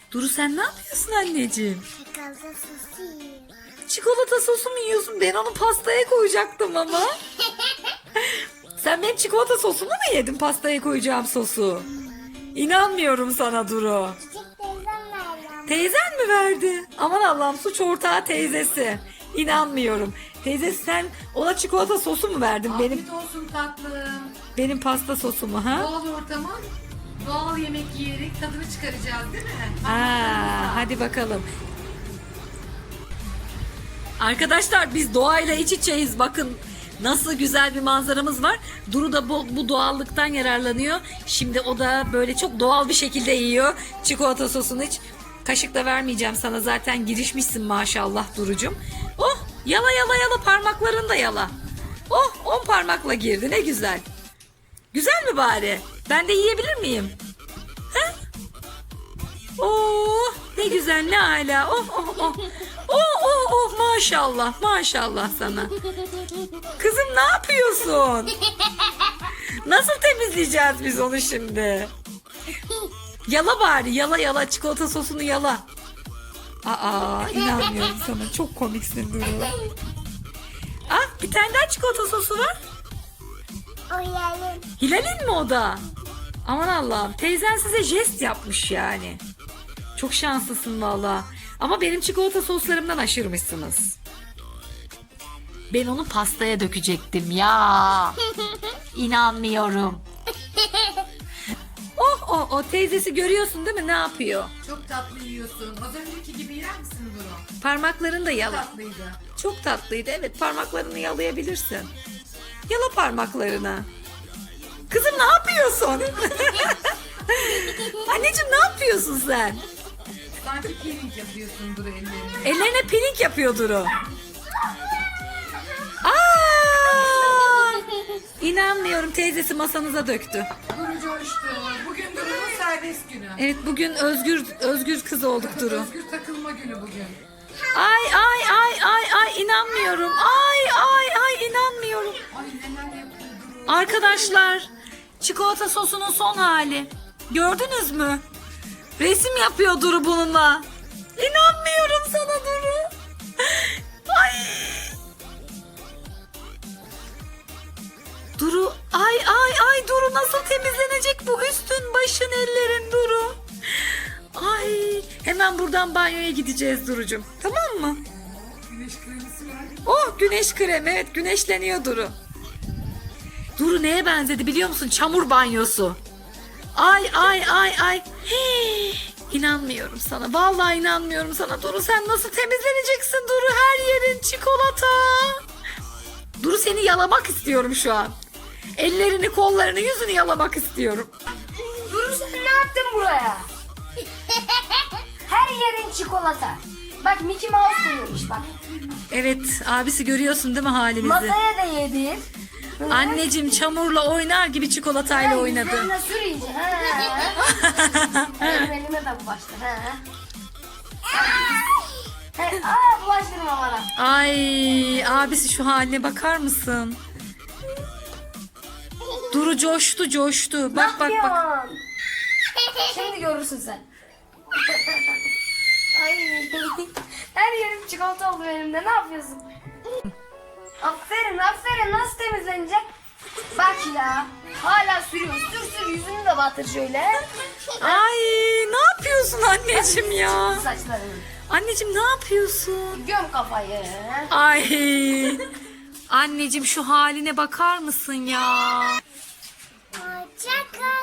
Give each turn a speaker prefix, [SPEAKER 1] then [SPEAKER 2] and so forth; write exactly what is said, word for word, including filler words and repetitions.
[SPEAKER 1] Duru sen ne yapıyorsun anneciğim?
[SPEAKER 2] Çikolata sosu yiyorum.
[SPEAKER 1] Çikolata sosu mu yiyorsun? Ben onu pastaya koyacaktım ama. Sen benim çikolata sosumu mu yedin, pastaya koyacağım sosu? İnanmıyorum sana Duru.
[SPEAKER 2] Küçük teyzem verdi ama.
[SPEAKER 1] Teyzen mi verdi? Aman Allah'ım, suç ortağı teyzesi. İnanmıyorum. Teyzesi sen ona çikolata sosu mu verdin? Benim
[SPEAKER 3] Afiyet olsun tatlım.
[SPEAKER 1] benim pasta sosumu ha?
[SPEAKER 3] Doğal ortamın doğal yemek yiyerek tadını çıkaracağız değil mi?
[SPEAKER 1] Aa, hadi bakalım. Arkadaşlar biz doğayla iç içeyiz. Bakın nasıl güzel bir manzaramız var. Duru da bu, bu doğallıktan yararlanıyor. Şimdi o da böyle çok doğal bir şekilde yiyor çikolata sosunu. Hiç kaşık da vermeyeceğim sana. Zaten girişmişsin maşallah Duru'cum. Oh, yala yala yala, parmaklarını da yala. Oh, on parmakla girdi, ne güzel. Güzel mi bari? Ben de yiyebilir miyim? He? Oh, ne güzel, ne ala. Oh oh oh. Oh oh oh, maşallah maşallah sana. Kızım ne yapıyorsun? Nasıl temizleyeceğiz biz onu şimdi? Yala bari, yala yala, çikolata sosunu yala. Aa, inanmıyorum sana, çok komiksin Duru. Ah, bir tane daha çikolata sosu var.
[SPEAKER 2] O yerim.
[SPEAKER 1] Hilal'in mi o da? Aman Allah'ım, teyzen size jest yapmış yani. Çok şanslısın valla. Ama benim çikolata soslarımdan aşırmışsınız. Ben onu pastaya dökecektim ya. İnanmıyorum. Oh oh oh, teyzesi görüyorsun değil mi, ne yapıyor?
[SPEAKER 3] Çok tatlı yiyorsun. Az önceki gibi yer misin Duru?
[SPEAKER 1] Parmaklarını da
[SPEAKER 3] Çok
[SPEAKER 1] yala.
[SPEAKER 3] tatlıydı.
[SPEAKER 1] Çok tatlıydı, evet, parmaklarını yalayabilirsin. Yala parmaklarını. Kızım ne yapıyorsun? Anneciğim ne yapıyorsun sen?
[SPEAKER 3] Sanki peeling yapıyorsun Duru ellerine.
[SPEAKER 1] Ellerine peeling yapıyor Duru. Aa! İnanmıyorum, teyzesi masanıza döktü.
[SPEAKER 3] Duru coştu. Bugün Duru'nun serbest günü.
[SPEAKER 1] Evet, bugün özgür özgür kız olduk Duru.
[SPEAKER 3] Özgür takılma günü bugün.
[SPEAKER 1] Ay ay ay ay ay, inanmıyorum. Ay ay ay, inanmıyorum.
[SPEAKER 3] Ay neler yapıyor Duru.
[SPEAKER 1] Arkadaşlar, çikolata sosunun son hali. Gördünüz mü? Resim yapıyor Duru bununla. İnanmıyorum sana Duru. Ay. Duru, ay ay ay, Duru nasıl temizlenecek bu üstün başın ellerin Duru? Ay, hemen buradan banyoya gideceğiz Duru'cum. Tamam mı?
[SPEAKER 3] Güneş kremisi var.
[SPEAKER 1] Oh, güneş kremi, evet, güneşleniyor Duru. Duru neye benzedi biliyor musun? Çamur banyosu. Ay ay ay ay. Hii, İnanmıyorum sana. Vallahi inanmıyorum sana Duru. Sen nasıl temizleneceksin Duru? Her yerin çikolata. Duru, seni yalamak istiyorum şu an. Ellerini, kollarını, yüzünü yalamak istiyorum.
[SPEAKER 4] Duru sen ne yaptın buraya? Her yerin çikolata. Bak Mickey Mouse koyuyormuş bak.
[SPEAKER 1] Evet, abisi görüyorsun değil mi halimizi?
[SPEAKER 4] Masaya da yedir.
[SPEAKER 1] Anneciğim çamurla oynar gibi çikolatayla oynadı.
[SPEAKER 4] Yüzlerine sür iyice. Ha. Benim elime de bulaştı. Ha. Ha. Aa bulaştırma bana.
[SPEAKER 1] Ay, abisi şu haline bakar mısın? Duru coştu coştu. Bak bak bak.
[SPEAKER 4] Yapıyorsun? Şimdi görürsün sen. Ay. Her yerim çikolata oldu benim de. Ne yapıyorsun? Aferin aferin, nasıl temizlenecek? Bak ya. Hala sürüyor. Sür sür, yüzünü de batır şöyle.
[SPEAKER 1] Ay, ne yapıyorsun anneciğim ya?
[SPEAKER 4] Saçlarını.
[SPEAKER 1] Anneciğim ne yapıyorsun?
[SPEAKER 4] Göm kafayı.
[SPEAKER 1] Ay. Anneciğim şu haline bakar mısın ya?
[SPEAKER 2] Hoşça kal.